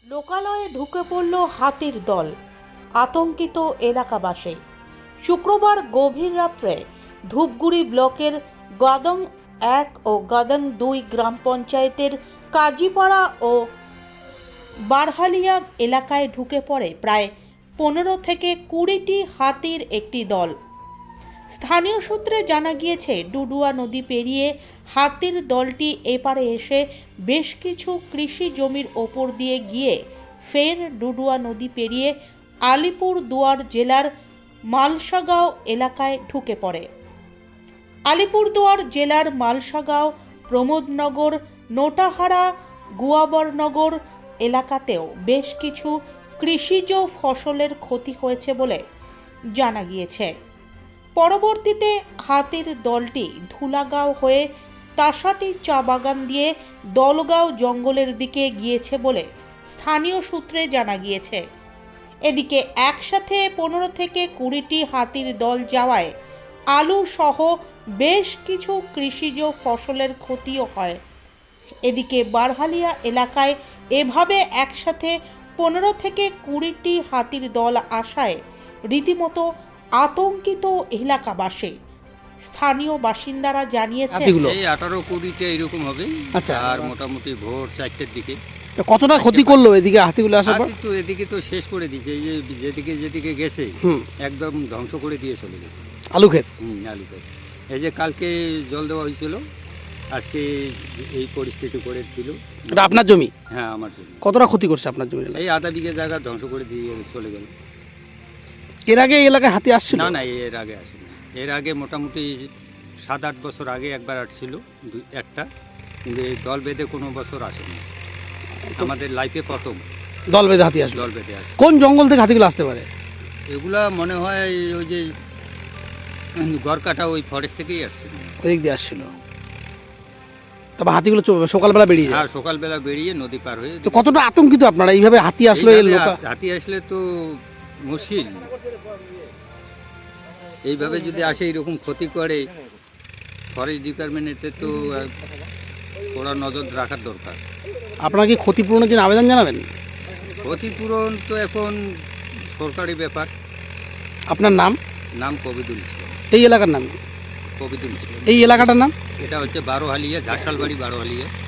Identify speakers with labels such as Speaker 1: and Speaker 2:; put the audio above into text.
Speaker 1: লোকালয়ে ঢুকে পড়ল হাতির দল, আতঙ্কিত এলাকাবাসী। শুক্রবার গভীর রাত্রে ধূপগুড়ি ব্লকের গদং 1 ও গদং 2 গ্রাম পঞ্চায়েতের কাজীপাড়া ও বারহালিয়া এলাকায় ঢুকে পড়ে প্রায় 15 থেকে 20টি হাতির একটি দল। স্থানীয় সূত্রে জানা গিয়েছে, ডুডুয়া নদী পেরিয়ে হাতির দলটি এপারে এসে বেশ কিছু কৃষি জমির ওপর দিয়ে গিয়ে ফের ডুডুয়া নদী পেরিয়ে আলিপুরদুয়ার জেলার মালসাগাঁও এলাকায় ঢুকে পড়ে। আলিপুরদুয়ার জেলার মালসাগাঁও, প্রমোদনগর, নোটাহারা, গুয়াবরনগর এলাকাতেও বেশ কিছু কৃষিজ ফসলের ক্ষতি হয়েছে বলে জানা গিয়েছে। পরবর্তীতে হাতির দলটি ধুলাগাঁও হয়ে তাসাটি চা বাগান দিয়ে দলগাঁও জঙ্গলের দিকে গিয়েছে বলে স্থানীয় সূত্রে জানা গিয়েছে। এদিকে একসাথে 15 থেকে 20টি হাতির দল যাওয়ায় আলু সহ বেশ কিছু কৃষিজ ফসলের ক্ষতিও হয়। এদিকে বারহালিয়া এলাকায় এভাবে একসাথে 15 থেকে 20টি হাতির দল আসায় রীতিমতো আতঙ্কিত এলাকাবাসী। স্থানীয় বাসিন্দারা জানিয়েছেন,
Speaker 2: এই 18-20টা এরকম হবে।
Speaker 3: আচ্ছা।
Speaker 2: আর মোটামুটি ভোর 4টের দিকে
Speaker 3: কতটা ক্ষতি করলো এদিকে হাতিগুলো আসার পর?
Speaker 2: হাতি তো এদিকে তো শেষ করে দিয়েছে। এই যে যেদিকে গেছে একদম ধ্বংস করে দিয়ে চলে গেছে
Speaker 3: আলু ক্ষেত।
Speaker 2: আলু ক্ষেত। এই যে কালকে জল দেওয়া হয়েছিল, আজকে এই পরিস্থিতি করে দিল।
Speaker 3: এটা আপনার জমি?
Speaker 2: হ্যাঁ, আমার জন্য।
Speaker 3: কতটা ক্ষতি করছে আপনার জমি?
Speaker 2: এই আধা বিঘে জায়গা ধ্বংস করে দিয়ে চলে গেল।
Speaker 3: এর আগে এই এলাকায় হাতি আসছিল?
Speaker 2: না, এর আগে আসেনি। এর আগে মোটামুটি 7-8 বছর আগে একবার আসছিল একটা, কিন্তু এই দল বেঁধে কোনো বছর আসেনি। আমাদের লাইফে প্রথম
Speaker 3: দল বেঁধে হাতি আসলো।
Speaker 2: দল বেঁধে আসে।
Speaker 3: কোন জঙ্গল থেকে হাতিগুলো আসতে পারে?
Speaker 2: এগুলা মনে হয় ওই যে গড়কাটা ওই ফরেস্ট থেকেই আসছে।
Speaker 3: ওই দিক দিয়ে আসছিল। তবে হাতিগুলো সকালবেলা বেরিয়ে যায়?
Speaker 2: হ্যাঁ, সকালবেলা বেরিয়ে নদী পার হয়ে।
Speaker 3: তো কতটা আতঙ্কিত আপনারা এইভাবে হাতি আসলো?
Speaker 2: হাতি আসলে তো মুশকিল। এইভাবে যদি আসে এরকম ক্ষতি করে, ফরেস্ট ডিপার্টমেন্টের তো ওরা নজর রাখার দরকার।
Speaker 3: আপনারা কি ক্ষতিপূরণের জন্য আবেদন জানাবেন?
Speaker 2: ক্ষতিপূরণ তো এখন সরকারি ব্যাপার।
Speaker 3: আপনার নাম?
Speaker 2: নাম কবিদুল ইসলাম।
Speaker 3: এই এলাকার নাম?
Speaker 2: কবিদুল ইসলাম।
Speaker 3: এই এলাকাটার নাম?
Speaker 2: এটা হচ্ছে বারোহালিয়া, ঝাড়শালবাড়ি বারোহালিয়া।